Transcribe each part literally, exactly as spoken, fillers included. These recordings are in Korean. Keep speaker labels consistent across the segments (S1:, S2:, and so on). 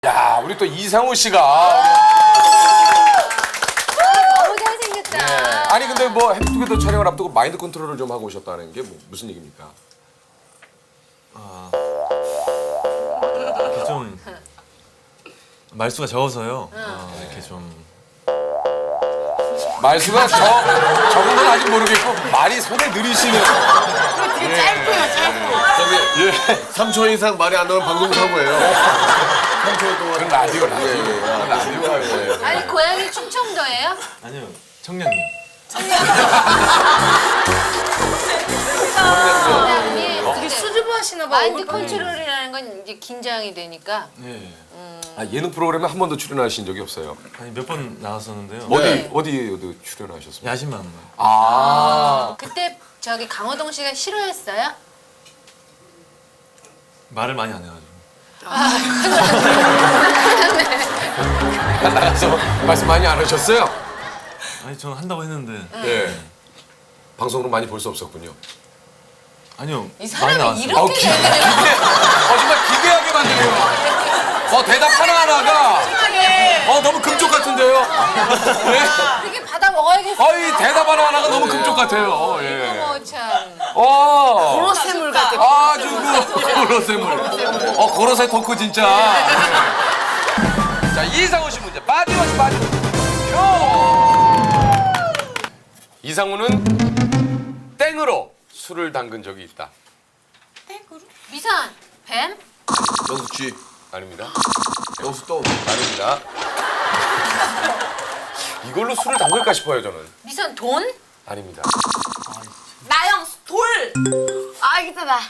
S1: 야, 우리 또 이상호 씨가.
S2: 너무 잘생겼다.
S1: 네. 아니 근데 뭐 해피투게더 촬영을 앞두고 마인드 컨트롤을 좀 하고 오셨다는 게 뭐, 무슨 얘기입니까?
S3: 이렇게 좀 말수가 적어서요. 어, 이렇게 좀
S1: 말수가 저, 적은 건 아직 모르겠고 말이 손에 느리시는.
S2: 되게 짧고요, 짧고.
S4: 저기 예. 삼 초 이상 말이 안 나오면 방송사고예요. 삼 초 동안.
S1: 그건 라디오, 라디오.
S4: 예, 예.
S1: 그건 라디오예요.
S2: 아니 고향이 충청도예요?
S3: 아니요 청량이요.
S2: 고향이
S5: 되게 수줍어 하시나 봐.
S2: 마인드 컨트롤이라는 건 이제 긴장이 되니까.
S3: 예.
S1: 아, 예능 프로그램에 한 번도 출연하신 적이 없어요.
S3: 아니 몇 번 나왔었는데요.
S1: 어디
S2: 네.
S1: 어디 어디 출연하셨습니까?
S3: 야심만.
S1: 아,
S2: 그때 저기 강호동 씨가 싫어했어요?
S3: 말을 많이 안 해가지고.
S1: 나가서 말씀 많이 안 하셨어요?
S3: 아니 저는 한다고 했는데.
S1: 네. 방송으로 많이 볼 수 없었군요.
S3: 아니요.
S2: 이
S3: 많이
S2: 사람이
S3: 나왔어요.
S2: 이렇게
S1: 어, 기, 기대, 어, 정말 기대하게 만드네요. 어, 대답 하나하나가 어, 너무 금쪽 같은데요? 네?
S2: 이렇게 받아 먹어야겠어.
S1: 어, 이 대답 하나하나가 너무 금쪽 같아요. 어, 예.
S2: 어머 참.
S1: 어.
S5: 고로쇠물 같아.
S1: 아주 그 고로쇠물. 어, 고로쇠 토크 진짜. 네. 자, 이상호 씨 문제. 빠지마시 빠지마시. 이상호는 땡으로 술을 담근 적이 있다.
S2: 미선, 뱀?
S4: 영수 G.
S1: 아닙니다.
S4: 영수 또.
S1: 아닙니다. 이걸로 술을 담글까 싶어요, 저는.
S2: 미선, 돈?
S1: 아닙니다.
S5: 나영 돌. 아 이기다 나.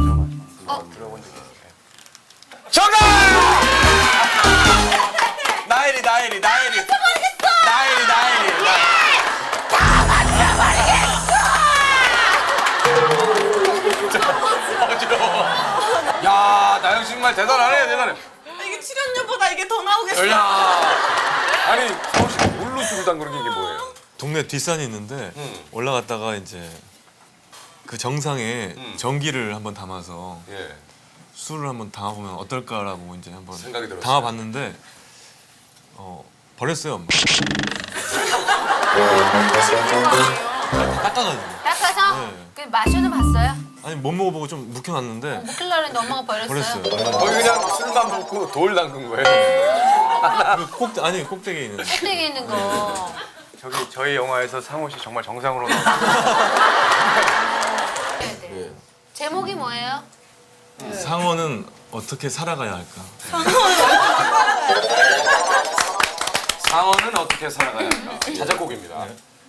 S1: 정답! 나엘이, 나엘이, 나엘이. 나엘이, 나엘이. 어지러워. 야, 나영 씨 정말 대단하네, 대단해.
S5: 이게 출연료보다 이게 더 나오겠어.
S1: 야, 아니 상호 씨 뭘로 술을 담그는 게 이게 뭐예요?
S3: 동네 뒷산이 있는데
S1: 음.
S3: 올라갔다가 이제 그 정상에
S1: 음.
S3: 전기를 한번 담아서
S1: 예,
S3: 술을 한번 담아보면 어떨까라고 이제 한번
S1: 생각이 들었어요.
S3: 담아봤는데 어 버렸어요. 닦아가지고.
S2: 닦아서?
S3: 네.
S2: 그 마셔는 봤어요?
S3: 아니 못 먹어보고 좀 묵혀놨는데
S2: 먹힐라는데 엄마가 버렸어요.
S3: 버렸어요.
S1: 거기 그냥 술만 붓고 돌 담근 거예요.
S3: 그 꼭 아니 꼭대기에 있는.
S2: 꼭대기 있는 거.
S6: 저기 저희 영화에서 상호 씨 정말 정상으로 나왔어요.
S2: 네, 네. 제목이 뭐예요?
S3: 상어는 어떻게 살아가야 할까?
S1: 상어는 어떻게 살아가야 할까? 자작곡입니다.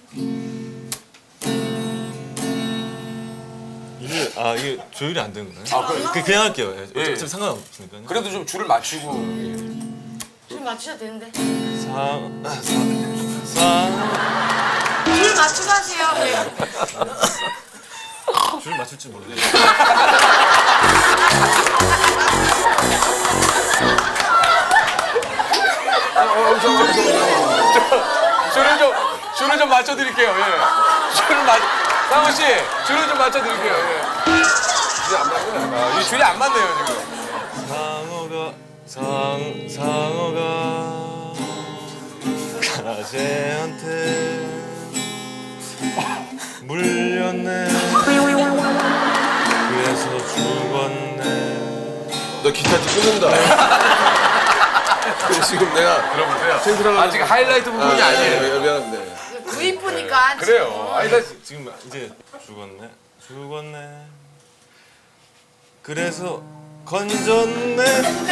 S3: 이게 아 이게 조율이 안 되는 거예요?
S1: 아, 그-
S3: 그, 그냥 할게요. 예,
S1: 예.
S3: 어차피 상관없으니까요.
S1: 그래도 좀 줄을 맞추고.
S5: 줄 맞추셔도 되는데.
S3: 상, 아, 상, 상,
S5: 줄 맞추고 하세요. 네.
S3: 줄 맞출 줄 모르겠어요.
S1: 줄을 좀 줄을 좀 맞춰드릴게요. 예. 줄을 맞. 상호 씨, 줄을 좀 맞춰드릴게요. 예. 줄이 안 맞네. 아, 이 줄이 안 맞네요 지금.
S3: 상어가 상 상어가 가재한테 물렸네. 그래서 죽었네.
S4: 너 기타 끊는다. 그래, 지금 내가
S1: 들어보세요.
S4: 생생하게-
S1: 아직 하이라이트 부분이
S4: 아,
S1: 아니에요.
S4: 예, 미안합니다.
S5: 구이프니까.
S1: 그래요. 아니 나
S3: 지금 이제 죽었네. 죽었네. 그래서 건졌네.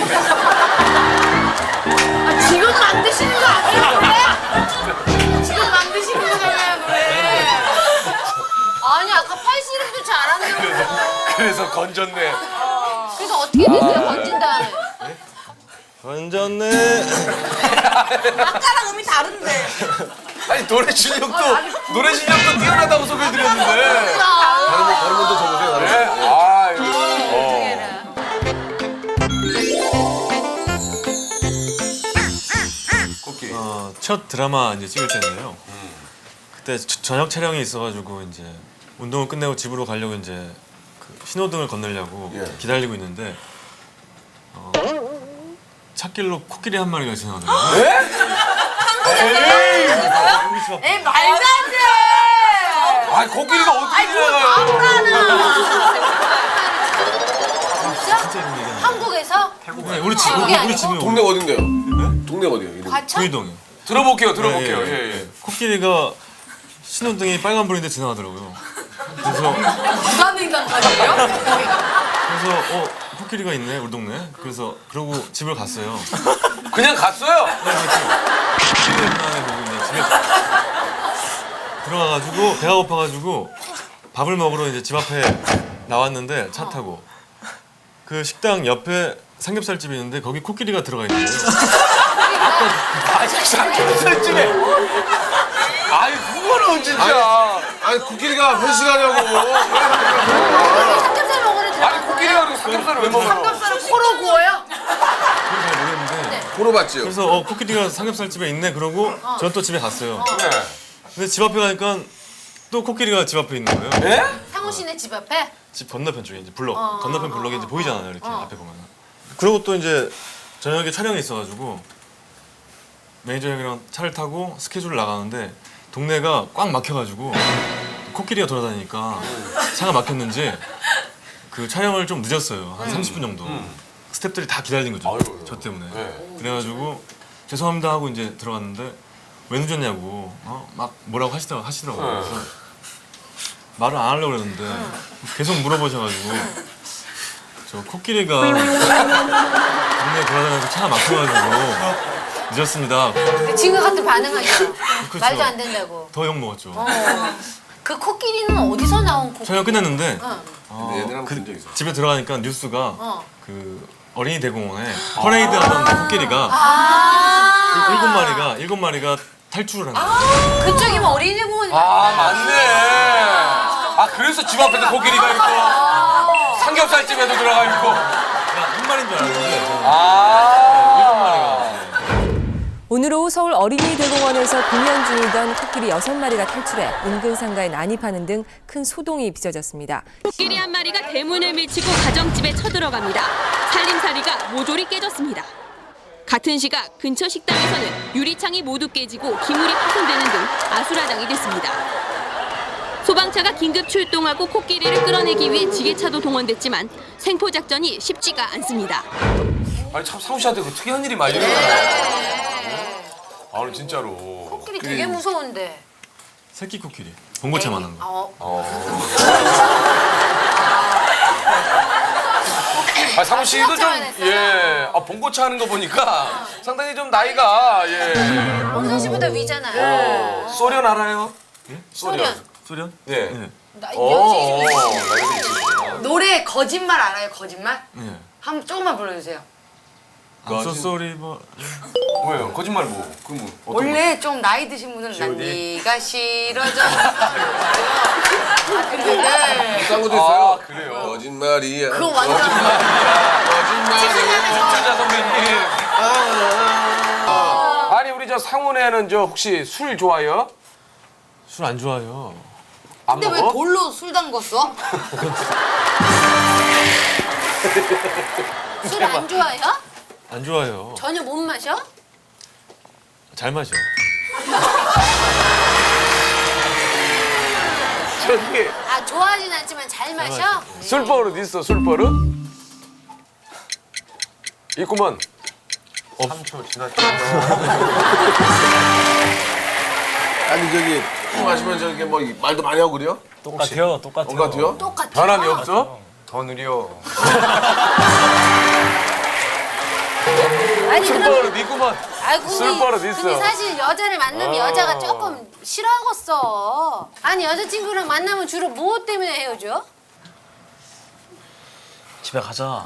S5: 아, 지금 만드시는 거 아니에요 노래? 지금 만드시는 거잖아요 노래.
S2: 아니 아까 팔씨름도 잘하는데.
S1: 그래서 건졌네.
S2: 그래서 어떻게 됐어요? 건진 다음에.
S3: 건졌네.
S5: 아까랑 음이 다른데.
S1: 아니 노래 실력도 노래 실력도 뛰어나다고 소개해드렸는데.
S4: 다른 분, 다른 분도 적으세요. 다른
S1: 네?
S4: 분. 예.
S1: 아 이거.
S2: 어떻게
S1: 어.
S2: 해라.
S1: 코끼리.
S3: 어, 첫 드라마 이제 찍을 때인데요. 그때 저- 저녁 촬영이 있어가지고 이제 운동을 끝내고 집으로 가려고 이제 그 신호등을 건너려고
S4: 예.
S3: 기다리고 있는데 어, 찻길로 코끼리 한 마리가 지나가더라고요.
S1: 예?
S5: 에 말도 안 돼.
S1: 아 코끼리가 어떻게 지나가요?
S2: 진짜?
S3: 진짜 이런 얘기하는
S2: 한국에서?
S3: 네, 우리 집
S2: 그게
S3: 우리
S2: 아니고?
S3: 집에
S4: 동네 어딘데요? 동네 어디요? 이름?
S2: 과천?
S3: 구이동이요.
S1: 들어볼게요, 들어볼게요.
S3: 예, 예,
S1: 예, 예.
S3: 예. 코끼리가 신호등이 빨간불인데 지나가더라고요. 그래서
S5: 부산인간까지요?
S3: 그래서 어 코끼리가 있네 우리 동네. 그래서 그러고 집을 갔어요.
S1: 그냥 갔어요.
S3: 집에 안에 보고 이제 집에 들어가가지고 배가 고파가지고 밥을 먹으러 이제 집 앞에 나왔는데 차 타고 그 식당 옆에 삼겹살집이 있는데 거기 코끼리가 들어가 있는 거예요.
S1: 아 삼겹살집에. 아이 그거는 진짜.
S4: 아니 코끼리가 회식하냐고.
S2: 삼겹살 먹으러 들어.
S1: 아니 코끼리가 그리고 삼겹살을 왜 먹어?
S5: 삼겹살을 코로 구워요?
S3: 그건 잘 모르겠는데
S4: 보러 봤지요?
S3: 그래서 어 코끼리가 삼겹살집에 있네 그러고 전 또 집에 갔어요.
S1: 네.
S3: 근데 집 앞에 가니까 또 코끼리가 집 앞에 있는 거예요.
S1: 예?
S2: 상우 씨네 집 앞에?
S3: 집 건너편 쪽에 이제 블럭
S2: 어,
S3: 건너편
S2: 어,
S3: 블럭이 이제
S2: 어,
S3: 보이잖아요 이렇게
S2: 어.
S3: 앞에 보면. 그리고 또 이제 저녁에 촬영이 있어가지고 매니저 형이랑 차를 타고 스케줄을 나가는데 동네가 꽉 막혀가지고 코끼리가 돌아다니니까 차가 막혔는지 그 촬영을 좀 늦었어요 한 삼십 분 정도. 스태프들이 다 기다린 거죠.
S1: 아이고,
S3: 저 때문에.
S1: 네.
S3: 그래가지고 죄송합니다 하고 이제 들어갔는데 왜 늦었냐고 어? 막 뭐라고 하시더라고 하시더라고요.
S1: 네.
S3: 그래서 말을 안 하려고 그랬는데 계속 물어보셔가지고 저 코끼리가 동네 돌아다니면서 차가 막혀가지고 늦었습니다.
S2: 지금 같은 반응하죠.
S3: 그쵸.
S2: 말도 안 된다고.
S3: 더 욕 먹었죠.
S2: 그 코끼리는 어디서 나온 코끼리?
S3: 촬영 끝났는데
S2: 응.
S3: 어,
S4: 근데 얘들 한번
S3: 그
S4: 본 적 있어.
S3: 집에 들어가니까 뉴스가
S2: 어.
S3: 그 어린이 대공원에 퍼레이드 하던 코끼리가
S2: 아.
S3: 일곱 마리가 일곱 마리가 탈출을 한 거예요.
S2: 그쪽이면 어린이 공원이.
S1: 아 맞네. 아 그래서 집 앞에도 코끼리가 있고 삼겹살집에도 들어가 있고.
S3: 그러니까 한 마리인 줄 알았는데
S1: 아.
S3: 일곱 마리가. 네.
S7: 오늘 오후 서울 어린이대공원에서 공연 중이던 코끼리 여섯 마리가 탈출해 인근 상가에 난입하는 등 큰 소동이 빚어졌습니다.
S8: 코끼리 한 마리가 대문을 밀치고 가정집에 쳐들어갑니다. 살림살이가 모조리 깨졌습니다. 같은 시각 근처 식당에서는 유리창이 모두 깨지고 기물이 파손되는 등 아수라장이 됐습니다. 소방차가 긴급 출동하고 코끼리를 끌어내기 위해 지게차도 동원됐지만 생포 작전이 쉽지가 않습니다.
S1: 아니 참 상우 씨한테 그 특이한 일이 많이 일어나요. 아 오늘 진짜로.
S2: 코끼리 되게 무서운데.
S3: 새끼 코끼리 봉고채만한 거.
S2: 어.
S1: 아 상우 씨도 좀
S2: 수납장을 했어요?
S1: 예. 아 봉고차 하는 거 보니까 상당히 좀 나이가 예.
S2: 홍선 씨보다 위잖아요.
S1: 소련 알아요?
S2: 소련.
S3: 소련?
S1: 예.
S3: 네.
S2: 나
S1: 어.
S2: 연식이 좀 있으시네.
S1: 나이가 좀 있으시구나.
S5: 노래 거짓말 알아요? 거짓말?
S3: 네.
S5: 한번 조금만 불러주세요.
S3: I'm so sorry but
S1: 뭐예요? 거짓말 뭐? 그 뭐? 어떤
S5: 원래 좀 나이 드신 분은 난 네가 싫어져. 아 근데 네.
S4: 딴 것도
S1: 거?
S4: 있어요.
S1: 아 그래요.
S4: 거짓말이야.
S5: 그거 완전
S4: 거짓말이야.
S1: 진짜 선배님. 아니 우리 저 상훈애는 저 혹시 술 좋아해요?
S3: 술 안 좋아요.
S1: 안
S5: 근데 왜
S1: 먹어?
S5: 돌로 술 담궜어?
S2: 술 안 좋아해요?
S3: 안 좋아요.
S2: 전혀 못 마셔?
S3: 잘 마셔.
S1: 저기
S2: 아 좋아하진 않지만 잘 마셔?
S1: 술버릇 있어 술버릇? 있구먼.
S6: 삼 초 지났죠.
S4: 아니 저기 술 마시면 저렇게 뭐 말도 많이 하고 그래요?
S3: 똑같아요. 똑같아요.
S4: 똑같아요?
S2: 똑같아.
S1: 변함이 없어?
S6: 더 느려.
S2: 아니 그럼
S1: 술버릇 있구먼.
S2: 아이고
S1: 술버릇
S2: 근데,
S1: 있어.
S2: 근데 사실 여자를 만나면
S1: 어.
S2: 여자가 조금 싫어하겠어. 아니 여자친구랑 만나면 주로 뭐 때문에 헤어져?
S3: 집에 가자.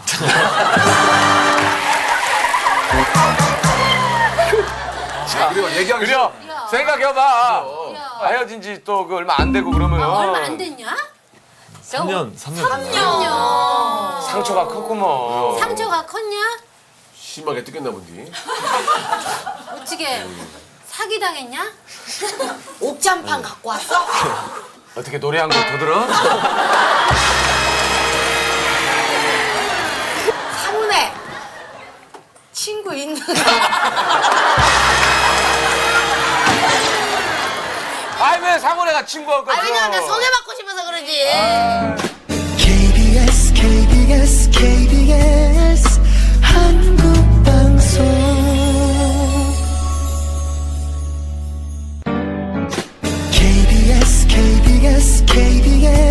S4: 그래요 얘기하기
S1: 그래 생각해봐.
S2: 야,
S1: 헤어진 지 또 그 얼마 안 되고 그러면
S2: 아, 얼마 안 됐냐?
S3: 삼 년, 삼 년.
S2: 삼 년.
S1: 상처가 컸구먼.
S2: 상처가 컸냐?
S4: 심하게 뜯겼나 본디.
S2: 어떻게 사기 당했냐?
S5: 옥잠판 갖고 왔어?
S1: 어떻게 노래 한 곡 더 들어?
S5: 사문에 친구 있는.
S1: 아이 왜 상훈이가 친구할 거죠?
S5: 아 왜냐면 나 소개받고 싶어서 그러지.
S9: 케이비에스 케이비에스 케이비에스 한국방송 케이비에스 케이비에스 케이비에스